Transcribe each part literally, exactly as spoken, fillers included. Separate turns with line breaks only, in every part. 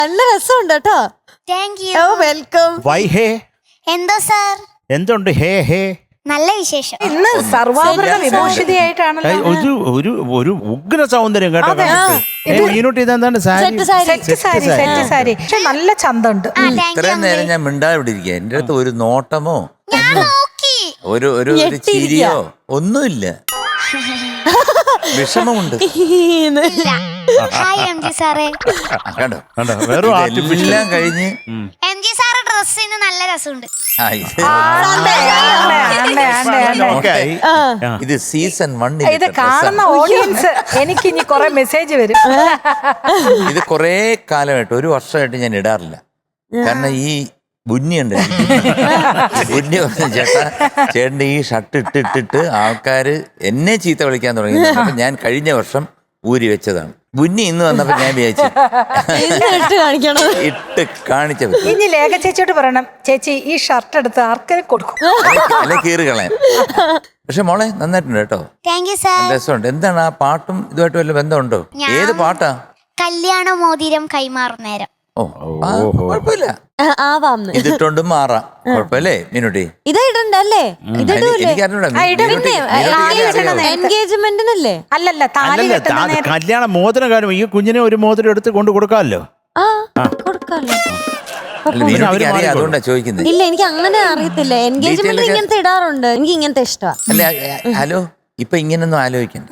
നല്ല രസമുണ്ട് കേട്ടോ.
Thank you.
Oh welcome.
വൈ ഹേ
എന്തോ സാർ?
എന്തുണ്ട് ഹേ ഹേ?
നല്ല വിശേഷം.
ഇന്ന് സർവാഭരണ വിഭൂഷിതയായിട്ടാണല്ലോ.
ഒരു ഒരു ഒരു ഉഗ്ര സൗന്ദര്യം കേട്ടോ. മീനൂട്ടി ഇതെന്താണ് sari?
Set sari.
Set sari set sari പക്ഷെ നല്ല ചന്തമുണ്ട്.
ഇത്രയും നേരം ഞാൻ മിണ്ടാതെ ഇവിടെ ഇരിക്കുക. എന്റെ അടുത്ത് ഒരു നോട്ടമോ
ഞാൻ നോക്കി.
ഒരു ഒരു ഒരു ചിരിയോ ഒന്നുമില്ല. വിഷമമുണ്ട്.
ഹായ് എം ജി സാറേ.
കണ്ടോ
കണ്ടോ വെറും ആർട്ടിഫിഷ്യൽ.
എല്ലാം കഴിഞ്ഞ്
എം ജി സാറ് ഡ്രസ്സിന് നല്ല രസമുണ്ട്.
ആ, ഇത്
ആണ്ടെ, ആണ്ടെ, ആണ്ടെ, ആണ്ടെ, ആണ്ടെ.
ഓക്കെയായി.
ഇത് സീസൺ വൺ.
ഇത് കാണുന്ന ഓഡിയൻസ് എനിക്ക് ഇനി കൊറേ മെസ്സേജ് വരും.
ഇത് കൊറേ കാലമായിട്ട് ഒരു വർഷമായിട്ട് ഞാൻ ഇടാറില്ല. കാരണം ഈ ബുന്നിയുണ്ട്. ബുന്നി പറഞ്ഞു ചേട്ടാ ചേട്ടൻ്റെ ഈ ഷർട്ട് ഇട്ടിട്ടിട്ട് ആൾക്കാര് എന്നെ ചീത്ത വിളിക്കാൻ തുടങ്ങി. അപ്പൊ ഞാൻ കഴിഞ്ഞ വർഷം ഊരി വെച്ചതാണ്. ബുന്നി ഇന്ന് വന്നപ്പോ ഞാൻ വിചാരിച്ചു ഇട്ട് കാണിച്ച
ഇനി ലേഖ ചേച്ചിയോട് പറയണം, ചേച്ചി ഈ ഷർട്ട് എടുത്ത് ആർക്കും കൊടുക്കും,
അല്ലെ കീറി കളയാൻ. പക്ഷെ മോളെ നന്നായിട്ടുണ്ട് കേട്ടോ.
Thank you sir.
രസമുണ്ട്. എന്താണ് ആ പാട്ടും ഇതുമായിട്ട് വല്ല ബന്ധമുണ്ടോ? ഏത് പാട്ടാ?
കല്യാണ മോതിരം കൈമാറും നേരം.
ഓ കുഴപ്പമില്ല, ഇതിട്ടോണ്ട് മാറാം. കുഴപ്പമില്ലേ മീനുട്ടി?
ഇതല്ലേ
എനിക്കറിഞ്ഞൂടാ.
എൻഗേജ്മെന്റിനല്ലേ?
അല്ലല്ല താലി
അല്ലല്ല
കെട്ടുന്ന നേരം.
കല്യാണ മോതിരം കാര്യം ഈ കുഞ്ഞിനെ ഒരു മോതിരം എടുത്ത് കൊണ്ട് കൊടുക്കാമല്ലോ.
ആ കൊടുക്കാല്ലോ.
അല്ല, മീനുട്ടിക്ക് അറിയാം, അതുകൊണ്ടാ ചോദിക്കുന്നത്.
ഇല്ല എനിക്ക് അങ്ങനെ അറിയത്തില്ല. എൻഗേജ്മെന്റ് ഇങ്ങനത്തെ ഇടാറുണ്ട്. എനിക്ക് ഇങ്ങനത്തെ ഇഷ്ടമാണ്.
അല്ല ഹലോ, ഇപ്പൊ ഇങ്ങനൊന്നും ആലോചിക്കണ്ട.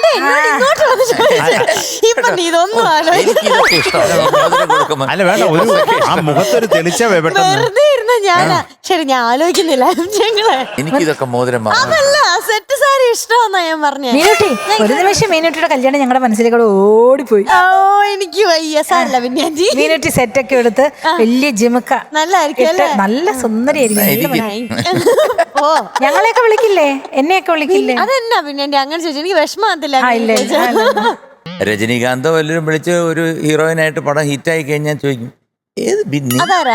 എനിക്കിതൊക്കെ ഇഷ്ടമാണ്.
അല്ല വേണ്ട, ഒരു ആ മുഖത്തൊരു തെളിച്ച
വെറുതെ ഇരുന്ന ഞാനാ. ശരി ഞാൻ ആലോചിക്കുന്നില്ല.
എനിക്കിതൊക്കെ മോതിരം
അതല്ല സെറ്റ് സാരി ഇഷ്ടമാന്നാ ഞാൻ പറഞ്ഞേ.
മീനുട്ടി ഒരു നിമിഷം മീനുട്ടിയുടെ കല്യാണം ഞങ്ങളുടെ മനസ്സിലേക്കൂടെ ഓടിപ്പോയി.
ഓ എനിക്ക് വയ്യ സാരല്ല. പിന്നെ
മീനുട്ടി സെറ്റൊക്കെ എടുത്ത് വലിയ ജിമുക്ക
നല്ലായിരിക്കും,
നല്ല സുന്ദരിയായിരിക്കും.
ഓ
ഞങ്ങളെയൊക്കെ വിളിക്കില്ലേ? എന്നെയൊക്കെ വിളിക്കില്ലേ?
അതെന്നാ പിന്നെ അങ്ങനെ ചോദിച്ചു. എനിക്ക് വിഷമത്തില്ല.
രജനീകാന്തോ വല്ലവരും വിളിച്ച് ഒരു ഹീറോയിനായിട്ട് പടം ഹിറ്റായി കഴിഞ്ഞാൽ ചോദിക്കും, ഏത് ബിന്നി?
അതാരാ?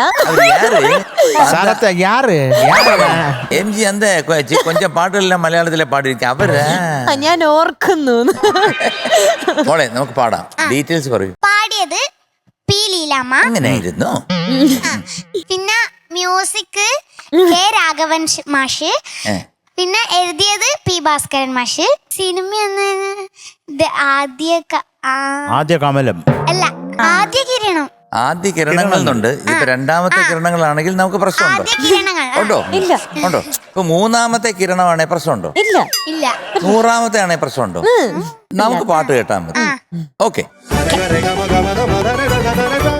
എം ജി എന്താ കൊഞ്ചം പാട്ടുകളെല്ലാം മലയാളത്തിലെ പാടിയിരിക്കും അവരാ.
ഞാൻ ഓർക്കുന്നു.
മോളെ നമുക്ക് പാടാം. ഡീറ്റെയിൽസ് പറയൂ.
പാടിയത് പി ലീലാമ്മ.
അങ്ങനെയായിരുന്നു.
പിന്നെ മ്യൂസിക് കെ രാഘവൻ മാഷ്. പിന്നെ എഴുതിയത് പി ഭാസ്കരൻ മാഷ്. സിനിമ ആദ്യ
ആദ്യ കമലം
അല്ല ആദ്യ കിരണം.
ആദ്യ കിരണങ്ങൾ എന്നുണ്ട്. ഇപ്പൊ രണ്ടാമത്തെ കിരണങ്ങളാണെങ്കിൽ നമുക്ക് പ്രശ്നമുണ്ടോ? ഉണ്ടോ?
ഇല്ല.
ഉണ്ടോ? ഇപ്പൊ മൂന്നാമത്തെ കിരണമാണെ പ്രശ്നമുണ്ടോ?
ഇല്ല
ഇല്ല.
നൂറാമത്തെ ആണെ പ്രശ്നമുണ്ടോ? നമുക്ക് പാട്ട് കേട്ടാൽ മതി. ഓക്കെ.